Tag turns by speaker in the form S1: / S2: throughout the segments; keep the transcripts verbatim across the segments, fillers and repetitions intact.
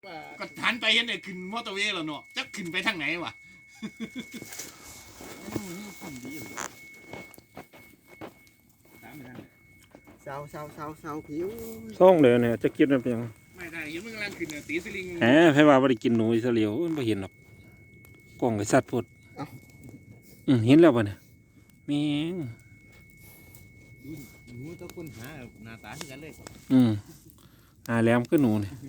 S1: ก็ทันไปเห็นได้ขึ้นมอเตอร์เวย์แล้วเนาะจะขึ้นไปทางไหนวะ
S2: เศร้าเศร้าเศร้าเศร้าผิว
S3: ซ่องเดี๋ยวเนี่ยจะกินมันเป็นยัง
S1: ไม่ได้ยังมันกำลังขึ้นเนี่ยตีสลิง
S3: แหมไผว่าบ่ได้กินหนูอิสราเอลมันบ่เห็นหรอกกล้องไอ้สัตว์พดอืมเห็นแล้วป่ะเนี่ยแม่ง
S4: หนูต้องค้นหาหน้าตาที่กันเลย
S3: อืมหาแหลมคือหนูเนี่ย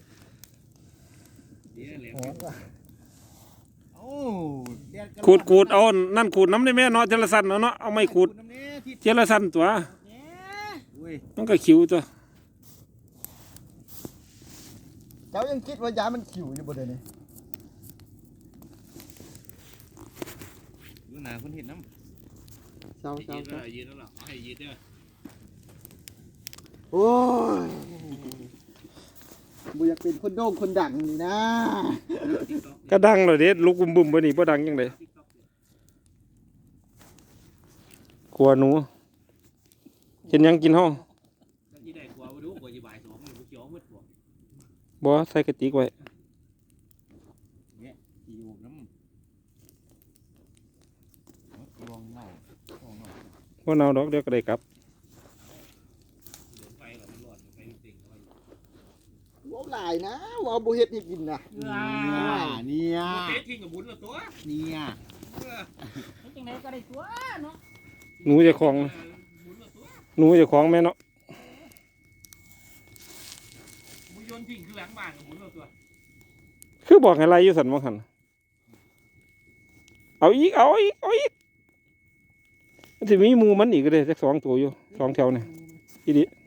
S4: โอ้
S3: ขูดขูดเอานั่นขูดน้ำได้แม่เนาะเจรสันเนาะเนาะเอาไม้ขูดเจรสันตัวมันก็ขิวตัว
S2: เจ้ายังคิดว่ายามันขิวอยู่บ่เดี๋ยวนี้
S4: ดูหน้าคนเห็นน้ำ
S2: เศร้าเศร้า
S1: ยืน
S2: เศร้า
S1: แล้วยืนแล้วหรอให้ยืนด้วย
S2: โอ้ยบ่อยากเป็นคนโด่งคนดังนี่นะ
S3: ก็ดังเลยเด็ดลูกบุ้มบุ้มบ่นี่บ่ดังยังไงกลัวหนูกินยังกินห้อง
S1: ยี่ได้กลัวดูกลัวยี่บ่ายสองมันเขียวมืดกว่า
S3: บ่ใส่กระติกไว้
S4: อยู่น้ำลองเน่าลองเน่า
S3: บ่เนาดอกเดี๋ยวก็ได้กลับ
S1: เดินไปแล้วมันร้อนไปติ่ง
S2: ว้าวหลายนะว้าวบ่เฮ็ดให้กินนะ
S4: เนี่ย
S1: เตะทิ้งกับบุญละตัว
S4: เนี่ย
S5: จังไดก็ได้ตัวเนาะ
S3: หนูเจะของ
S1: บุญละตัว
S3: หนูเจะของแม่เนาะ
S1: บุญโยนทิ้งคือหลังบ้านกับบุญละตัว
S3: คือบอกให้ไล่อยู่สั่นบ่หั่นเอาอีกเอาอีกเอาอีกมันสิมีหมู่มันอีกก็ได้สักสองตัวอยู่สองแถวเนี่ยอีดิ